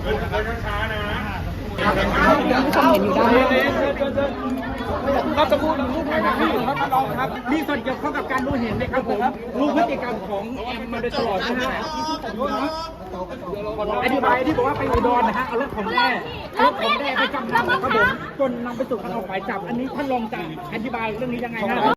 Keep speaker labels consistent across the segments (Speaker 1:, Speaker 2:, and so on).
Speaker 1: ช้าๆนะ
Speaker 2: เห็นอยู่ด้าน
Speaker 1: ครับจะพูดรูปไหนครับพี่ครับน้องครับมีส่วนเกี่ยวข้องกับการรู้เห็นไหมครับผมรู้พฤติกรรมของแอมมาโดยตลอดนะฮะอธิบายที่บอกว่าไปอุดรนะฮะเอารถของแม่ไปจำนำครับผมจนนำไปสู่การออกหมายจับอันนี้ท่านรองจะอธิบายเรื่องนี้ยังไงฮะ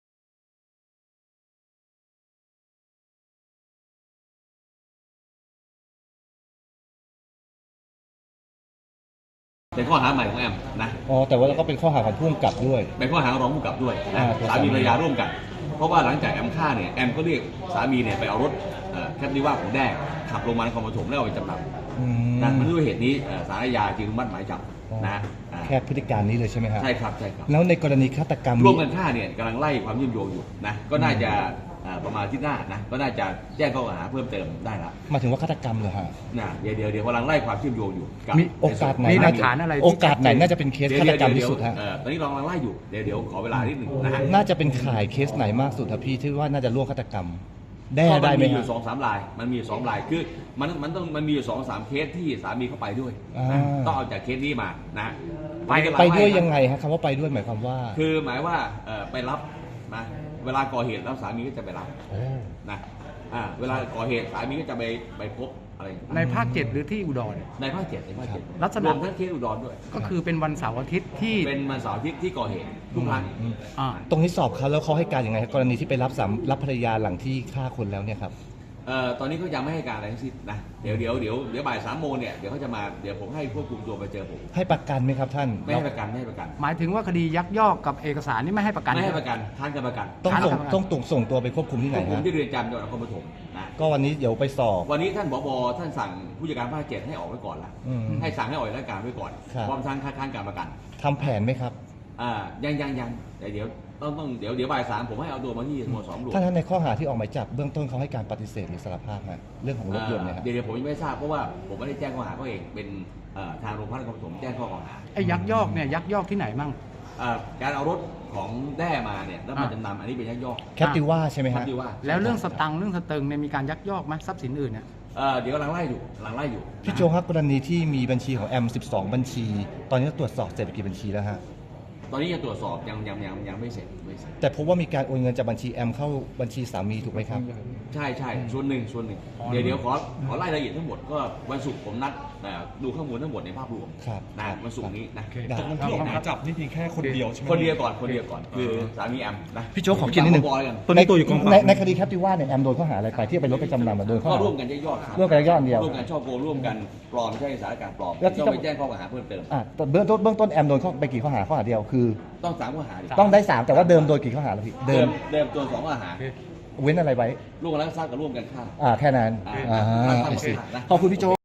Speaker 3: เป็นข้อหาใหม่ของแอมนะ
Speaker 4: อ๋อแต่ว่าเราก็เป็นข้อหาของผู้กำกับด้วย
Speaker 3: เป็นข้อหารองผู้กำกับด้วยนะสามีภรรยาร่วมกันเพราะว่าหลังจากแอมฆ่าเนี่ยแอมก็เรียกสามีเนี่ยไปเอารถแคปริว่าของแด้ขับลงมานครปฐมแล้วเอาไปจำนำนะมันด้วยเหตุนี้ศาลอาญาจึงอนุมัติหมายจับนะ
Speaker 4: แค่พฤติการนี้เลยใช่ไหมครับ
Speaker 3: ใช่ครับใช่ครับ
Speaker 4: แล้วในกรณีฆาตกรรม
Speaker 3: ร่วมกันฆ่าเนี่ยกำลังไล่ความเชื่อมโยงอยู่นะก็น่าจะประมาณที่หน้านะก็น่าจะแจ้งข้อหาเพิ่มเติมได้ละ
Speaker 4: มาถึงว่าฆาตกรรมเหรอฮะ
Speaker 3: นะเดี๋ยวกำลังไล่ความเชื่อมโยงอยู่
Speaker 4: มีโอกาสไหน
Speaker 1: มีหลักฐานอะไร
Speaker 4: โอกาสไหนน่าจะเป็นเคสฆาตกรรมที่สุดฮะ
Speaker 3: ตอนนี้เรากำลังไล่อยู่เดี๋ยวขอเวลานิดหนึ่งนะฮะ
Speaker 4: น่าจะเป็นข่ายเคสไหนมากสุดครับพี่ที่ว่าน่าจะร่วมฆาตกรรมได้ไหม
Speaker 3: มันมีอยู่2-3 รายมันมี2 รายคือมันมีอยู่2-3 เคสที่สามีเข้าไปด้วยต้องเอาจากเคสนี้มานะ
Speaker 4: ไปด้วยยังไงฮะคำว่าไปด้วยหมายความว่า
Speaker 3: คือหมายว่าไปรับนะเวลาก่อเหตุแล้วสามีก็จะไปรับนะเวลาก่อเหตุสามีก็จะไปพบอะไร
Speaker 1: ในภาค 7หรือที่อุดร
Speaker 3: ในภาค 7ในภาค 7
Speaker 1: ลักษณะ
Speaker 3: รวมทั้งเคสอุดรด้วย
Speaker 1: ก็คือเป็นวันเสาร์อาทิตย์ที่
Speaker 3: เป็นวันเสาร์อาทิตย์ที่ก่อเหตุทุกครั้ง
Speaker 4: ตรงนี้สอบเขาแล้วเขาให้การยังไงกรณีที่ไปรับภรรยาหลังที่ฆ่าคนแล้วเนี่ยครับ
Speaker 3: ตอนนี้เขายังไม่ให้การอะไรทั้งสิ้นนะเดี๋ยวบ่าย3 โมงเนี่ยเดี๋ยวเขาจะมาเดี๋ยวผมให้ควบคุมตัวไปเจอผม
Speaker 4: ให้ประกันไหมครับท่าน
Speaker 3: ไม่ให้ประกัน
Speaker 1: หมายถึงว่าคดียักยอกกับเอกสารนี่ไม่ให้ประกัน
Speaker 3: ไม่ให้ประกันท่านจะประกัน
Speaker 4: ต้องส่งตัวไปควบคุมที่ไหน
Speaker 3: ผมที่เรือนจำจังหวัดนครปฐมนะ
Speaker 4: ก็วันนี้เดี๋ยวไปสอบ
Speaker 3: วันนี้ท่านผบ.ท่านสั่งผู้จัดการภาค 7ให้ออกไว้ก่อนละให้สั่งให้ออกราชการไว้ก่อนพร้อมทั้งคัดค้านการประกัน
Speaker 4: ทำแผนไหมครับ
Speaker 3: ยังแต่เดี๋ยวบ่าย3ผมให้เอาตัวมาที่สโมสรหลวง
Speaker 4: ท่านในข้อหาที่ออกหมายจับเบื้องต้นเขาให้การปฏิเสธหรือสารภาพไหมเรื่องของรถยนต์เนี่ย
Speaker 3: เดี๋ยวผมยังไม่ทราบเพราะว่าผมไม่ได้แจ้งข้อหาเขาเองเป็นทางโรงพักนครปฐมแจ้งข้อกล่าวหา
Speaker 1: ไอ้ยักยอกเนี่ยยักยอกที่ไหนมั่ง
Speaker 3: การเอารถของแด้มาเนี่ยแล้วมาจำนำอันนี้เป็นยักยอก
Speaker 4: แคปติว่าใช่ไหมฮะ
Speaker 1: แล้วเรื่องสตังค์เรื่องสเติงเนี่ยมีการยักยอกไหมทรัพย์สินอื่นเนี่ย
Speaker 3: เดี๋ยวกำลังไล่อยู่
Speaker 4: พี่โจครับกรณีที่มีบัญชีของแอม12 บัญชี ตอนนี้ตรวจสอบเสร็จกี่บัญชีแล้วฮะ
Speaker 3: ตอนนี้ยังตรวจสอบยังไม่เสร็จ
Speaker 4: แต่พบว่ามีการโอนเงินจากบัญชีแอมเข้าบัญชีสามีถูกไหมครับ
Speaker 3: ใช่ส่วนหนึ่งเดี๋ยวขอไล่รายละเอียดทั้งหมดก็วันศุกร์ผมนัดดูข้อมูลทั้งหมดในภาพรวมนะวันศุกร์นี้นะ
Speaker 5: จากวันที่ออกหมายจับนี่เพียงแค่คนเดียวใช่ไหม
Speaker 3: คนเดียวก่อนคือสามีแอมนะ
Speaker 4: พี่โจขอกินนิดนึง
Speaker 5: ตัวนี้ตัวอยู่กองปราบ
Speaker 4: ในคดีแคปติว่าเนี่ยแอมโดนข้อหาอะไรไปที่ไปรถไปจำนำโดนข้อหา
Speaker 3: ร่วมกันยักยอก
Speaker 4: ร่วมกันยักยอกเดียว
Speaker 3: ร่วมกันช่อโกงร่วมกันปลอมใช้สารการปลอมต้องไปแจ้งข้อกล่าวหาเพิ่มเติม
Speaker 4: เบื้องต้นแอมโดนไปกี่ข้อหาเดียวคือ
Speaker 3: ต้อง3 ข้อหา
Speaker 4: ต้องได้3แต่ว่าเดิมโดนกี่ข้อหาแล้วพี่
Speaker 3: เดิมตัว2 ข้อหา
Speaker 4: เว้นอะไรไว้
Speaker 3: ร่วมกันลักทรัพย์กับร่วมกันฆ่า
Speaker 4: แค่นั้นขอบคุณพี่โจ